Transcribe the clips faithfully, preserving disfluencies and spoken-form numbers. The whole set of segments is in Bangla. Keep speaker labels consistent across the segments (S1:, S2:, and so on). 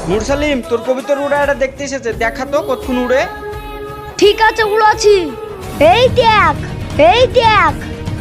S1: মুরসালিম, তোর কবিতার উড়াটা দেখতে এসেছে, দেখা তো কতক্ষণ উড়ে।
S2: ঠিক আছে, উড়াচ্ছি। এই দেখ, এই দেখ।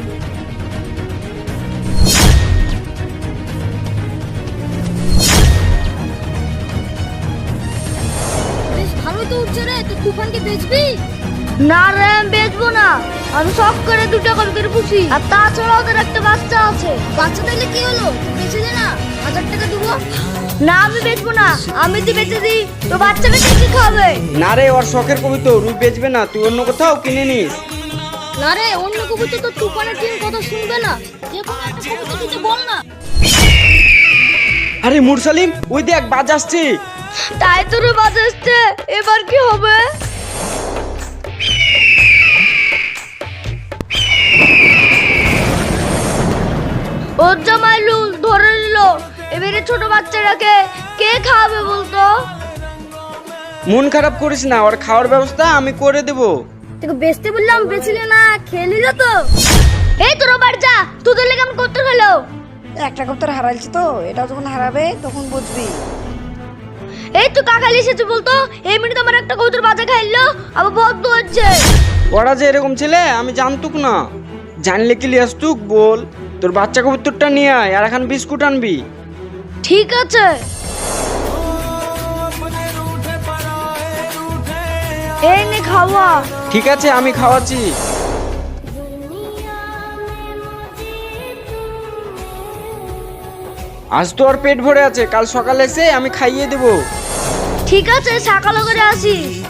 S3: বেশ ভালো তো উঠছে রে। তো তুফানকে বেচবি?
S2: না রে, আমি বেচবো না। আমি শখ করে দুটো কবিতার পুষি, আর তাছাড়া ওদের একটা বাচ্চা আছে।
S3: বাচ্চা তাইলে কি হলো? বেচে দে না, হাজার টাকা দেবো।
S2: না, আমি বেচবো না। আমি যদি বেচে দিই তো বাচ্চাটা কি খাবে?
S1: না রে, ওর শখের কবিতা, রুই বেচবে না, তুই অন্য কোথাও কিনে নিস।
S3: না রে, অন্য কবিতা তো তুফানের টিম কথা শুনবে না। যে কোনো একটা কবিতা দিতে বল না।
S1: আরে মুরসালিম, ওই দেখ বাজ আসছে।
S2: তাই তো রে, বাজ আসছে। এবার কি হবে? ওর জামাইলুল ধরে নিল। এবারে ছোট বাচ্চাটাকে কে খাওয়াবে বলতো?
S1: মন খারাপ করিস না, ওর খাওয়ার ব্যবস্থা আমি করে দেব।
S2: তোকে বেচতে বললাম, বেচলি না, খেয়ে নিল তো। এই তোর বাড়ি যা, তোদের লেগে আমি করতে হলো।
S4: একটা কবুতর হারাইছি তো, এটা যখন হারাবে তখন বুঝবি।
S2: এই তুই কাকালি এসেছে বলতো। এই মিনিট আমার একটা কবুতর বাজা খাইলো, আবার বদ্ধ হচ্ছে।
S1: ওরা যে এরকম ছেলে আমি জানতুক না। জানলে কি লিয়াসতুক বল। তোর বাচ্চা কবুতরটা নিয়ে আয়, আর এখন বিস্কুট আনবি।
S2: ঠিক আছে। এই নে খাওয়া।
S1: ঠিক আছে, আমি খাওয়াচ্ছি। আজ তো আর পেট ভরে আছে, কাল সকালে এসে আমি খাইয়ে দেবো।
S2: ঠিক আছে, সকালে করে আসিস।